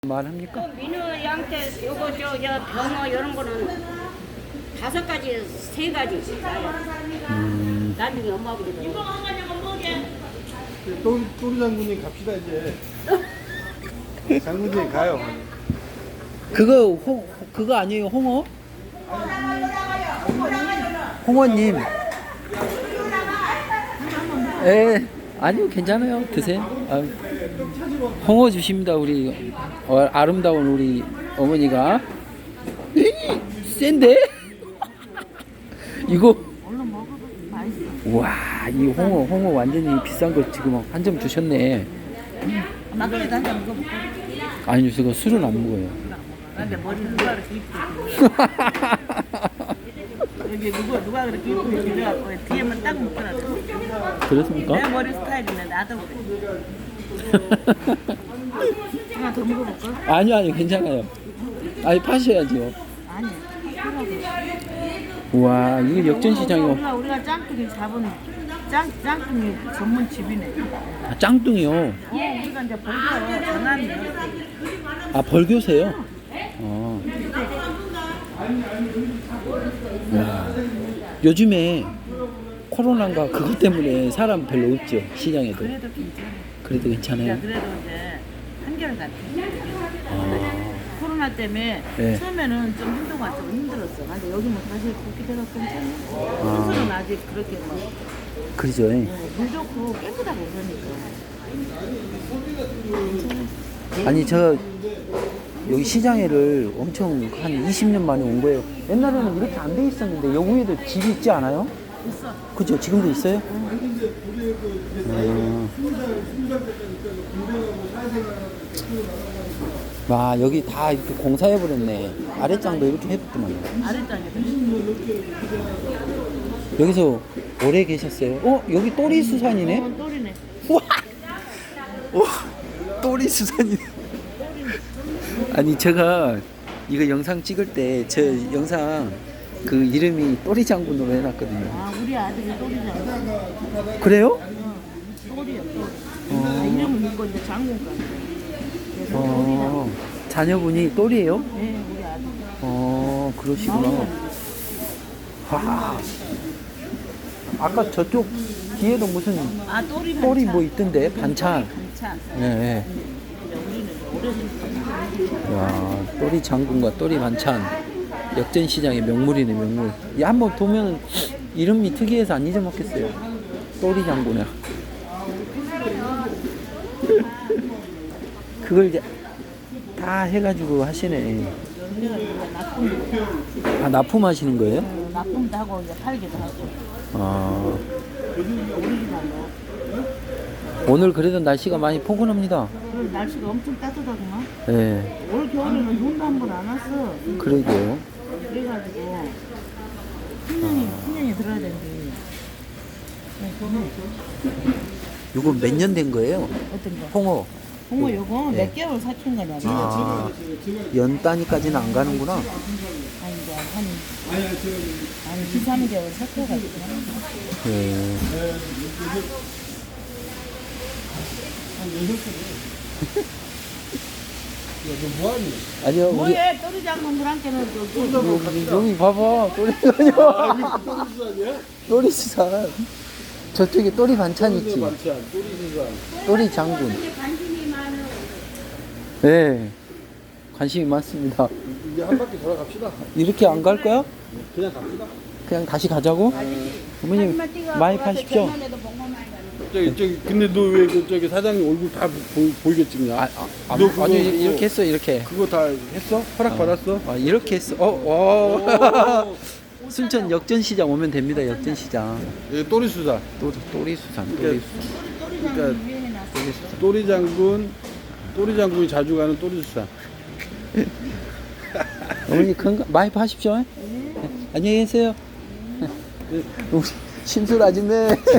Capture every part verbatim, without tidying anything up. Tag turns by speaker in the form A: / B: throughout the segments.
A: 말합니까?
B: 민어 양태 요거 저, 저 병어 이런 거는 다섯 가지 세 가지
A: 음.
B: 나중에 엄마 아버지
C: 또, 또리 장군님 갑시다 이제. 장군님 가요.
A: 그거 홍 그거 아니에요, 홍어? 홍어님. 예, 아니요, 괜찮아요. 드세요. 아, 홍어 주십니다, 우리 어, 아름다운 우리 어머니가. 에이, 센데? 이거. 와, 이 홍어 홍어 완전히 비싼 거 지금 한 점 주셨네.
D: 막걸리도 한 잔 먹어볼까?
A: 아니요, 제가 술은 안 먹어요.
D: 근데 머리 누가 그렇게 이쁘게 여기 누가 누가 그렇게 이쁘게 그려갖고 뒤에만 딱 묶어놨어.
A: 그렇습니까?
D: 내 머리 스타일이네. 나도 그래. 하나 더 먹어볼까?
A: 아니요, 아니요, 괜찮아요. 아니, 파셔야죠.
D: 아니야.
A: 와, 이거 역전시장이요.
D: 우리가 우리가 짱뚱이 잡은 짱 짱뚱이 전문 집이네.
A: 아, 짱뚱이요.
D: 어, 우리가 이제 벌써 장안이야.
A: 아, 벌교세요? 어. 와, 요즘에 코로나가 그것 때문에 사람 별로 없죠, 시장에도.
D: 그래도 괜찮아.
A: 그래도 괜찮아요.
D: 야, 그래도 이제 한결같아.
A: 아,
D: 코로나 때문에
A: 네.
D: 처음에는 좀 행동가 좀 힘들었어. 근데 여기 뭐 다시 그렇게 돼서 괜찮아.
A: 아.
D: 스스로는 아직 그렇게 뭐
A: 그러죠.
D: 어, 물 좋고 깨끗하고 그러니까.
A: 아니, 저 여기 시장에를 엄청 한 이십 년 만에 온 거예요. 옛날에는 이렇게 안 돼 있었는데 여기 위에도 집이 있지 않아요?
D: 있어.
A: 그죠? 지금도 있어요? 음. 와, 여기 다 이렇게 공사해버렸네. 아랫장도 이렇게 해뒀더만.
D: 아랫장에
A: 여기서 오래 계셨어요? 어? 여기 또리 수산이네?
D: 어, 또리네.
A: 우와! 오, 또리 수산이네. 아니, 제가 이거 영상 찍을 때 저 영상 그 이름이 또리 장군으로 해놨거든요.
D: 아, 우리 아들이 또리잖아.
A: 그래요?
D: 어, 또리야, 또리. 아, 이름은 이거 이제 장군가. 그래서 또리잖아.
A: 어, 자녀분이 또리예요?
D: 네, 우리 아들.
A: 어, 그러시구나. 와. 아까 저쪽 뒤에도 무슨
D: 아, 또리 반찬.
A: 또리 뭐 있던데? 반찬.
D: 반찬.
A: 예, 예.
D: 우리는 오래전부터.
A: 야, 또리 장군과 또리 반찬. 역전시장의 명물이네, 명물. 이 한번 보면 이름이 특이해서 안 잊어먹겠어요. 또리 장군이야. 그걸 이제 다 해가지고 하시네.
D: 우리가 이제 납품,
A: 아, 납품하시는 거예요?
D: 어, 납품도 하고 이제 팔기도 하고.
A: 아,
D: 오리지널로.
A: 오늘 그래도 날씨가 많이 포근합니다.
D: 그리고 날씨가 엄청 따뜻하구만.
A: 예,
D: 올 겨울에는 눈도 한 번 안 왔어.
A: 그러게요.
D: 그래가지고 신년이 신년이 들어야 되는데.
A: 이거 몇 년 된 거예요?
D: 어떤 거?
A: 홍어.
D: 홍어 요거
A: 네.
D: 몇 개월 삭힌 거냐?
A: 아, 연 단위까지는 안 가는구나.
D: 한 이제 한, 한 이, 삼 개월 삭혀가지고 하는 거.
A: 예.
C: 너 뭐하니?
A: 아니요, 우리
D: 뭐해? 또리 장군 물안개는 여기
A: 여기, 여기 봐봐. 또리 아니요.
C: 또리 수산이야?
A: 또리 수산. 저쪽에 또리 반찬 있지.
C: 반찬, 또리 수산.
A: 또리 장군. 네, 관심이 많습니다.
C: 이제 한 바퀴 돌아갑시다.
A: 이렇게 안 갈 거야?
C: 그냥 갑시다.
A: 그냥 다시 가자고? 어머님 많이 파십시오.
C: 저기 저기 근데 너 왜 그 저기 사장님 얼굴 다 보, 보이게 찍냐?
A: 아, 아,
C: 너 그거-
A: 아니
C: 그거-
A: 이렇게 했어, 이렇게.
C: 그거 다 했어? 허락 받았어?
A: 아, 이렇게 했어. 어, 어. 순천 역전시장 오면 됩니다. 역전시장.
C: 예, 또리 수산.
A: 또리, 또리 수산, 또리 수산.
C: 그러니까
A: 또리 수산.
C: 또리 장군, 또리 장군이 자주 가는 또리 수산.
A: 어머니 건강 많이 파십시오. 네. 안녕히 계세요. 우리 심술 아줌마.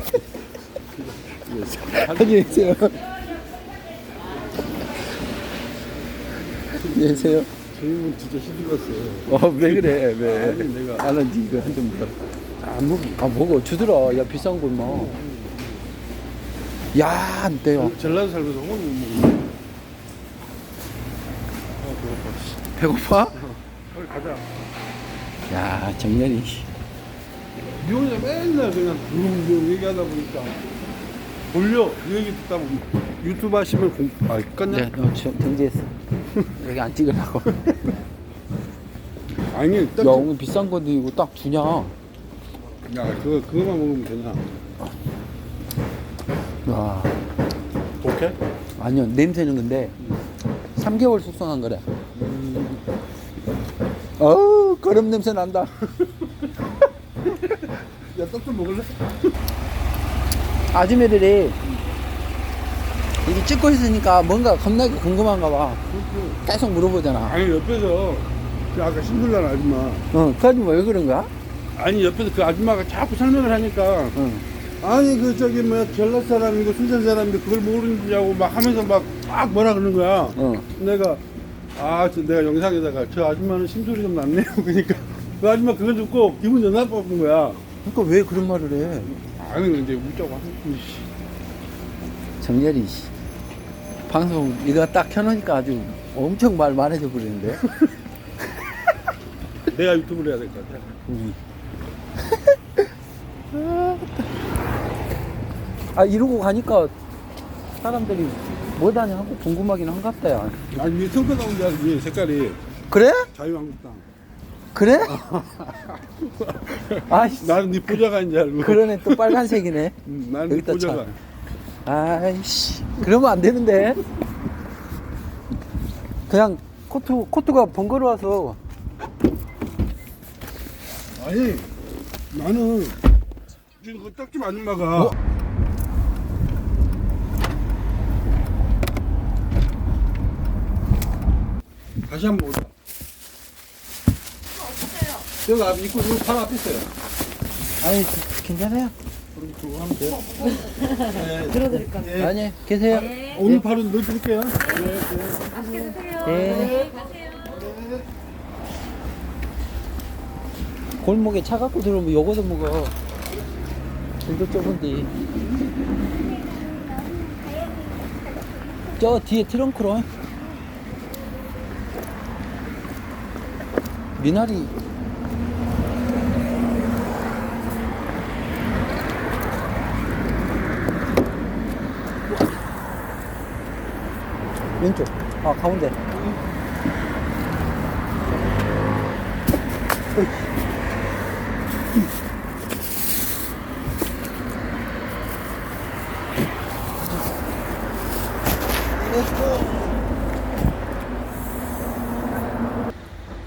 A: 안녕히 계세요. 안녕히 계세요.
C: 저희는 진짜 힘들었어요.
A: 어, 왜 그래? 왜?
C: 아니, 내가-
A: 나는 이거 한 점 먹어. 안 먹어. 아, 먹어. 주더라. 야, 비싼 걸 뭐. 야, 안 돼요.
C: 전라도 살면서 홍어 못 먹는
A: 배고파?
C: 빨리 가자.
A: 야, 정렬이.
C: 니 혼자 맨날 그냥 부릉부릉 얘기하다 보니까 돌려. 이 얘기 듣다 보면 유튜브 하시면 공... 아, 껐냐?
A: 네, 어, 정- 정지했어. 여기 안 찍으려고.
C: 아니, 딱
A: 야, 오늘 비싼 건데 이거 딱 주냐?
C: 야, 그거, 그거만 먹으면 되냐?
A: 와,
C: 오케이?
A: 아니요, 냄새는 근데 삼 개월 숙성한 거래. 어우, 거름 냄새 난다.
C: 야, 떡 좀 먹을래?
A: 아줌마들이 이게 찍고 있으니까 뭔가 겁나게 궁금한가 봐. 계속 물어보잖아.
C: 아니, 옆에서 그 아까 신들란 아줌마.
A: 어, 그 아줌마 왜 그런 거야?
C: 아니, 옆에서 그 아줌마가 자꾸 설명을 하니까
A: 응.
C: 아니, 그 저기 뭐야, 전라 사람이고 순천 사람인데 그걸 모르느냐고 막 하면서 막, 막 뭐라 그러는 거야.
A: 어.
C: 내가 아, 저 내가 영상에다가 저 아줌마는 심소리 좀 났네요. 그러니까 그 아줌마 그거 듣고 기분 좀 나빠진 거야.
A: 그러니까 왜 그런 말을 해?
C: 아니, 이제 웃자고 하는 씨.
A: 정렬이 씨. 방송 이거 딱 켜놓으니까 아주 엄청 말 많아져 버리는데.
C: 내가 유튜브를 해야 될 것 같아.
A: 음. 아 이러고 가니까 사람들이 뭐다냐 하고 궁금하긴 한갑다 야.
C: 아니, 위에 성과 나온 줄 알았지, 색깔이.
A: 그래?
C: 자유한국당.
A: 그래? 아이씨
C: 나는 네 보좌관인 줄 알고.
A: 그러네 또 빨간색이네.
C: 응, 나는 네
A: 여기다
C: 보좌관.
A: 아이씨 그러면 안 되는데. 그냥 코트 코트가 번거로워서.
C: 아니, 나는 지금 그 떡집 아줌마가
A: 어?
C: 다시 한번 오자. 여기 앞 입구 여기 바로 앞에 있어요.
A: 아니 괜찮아요.
C: 그럼 그거 하면 돼요. 네.
D: 들어드릴까?
C: 네.
A: 아니 계세요.
C: 오늘 바로 넣어드릴게요.
A: 네. 골목에 차 갖고 들어오면 요거도 먹어. 길도 좁은데. 저 뒤에 트렁크로. 미나리. 왼쪽. 아, 가운데. 어이.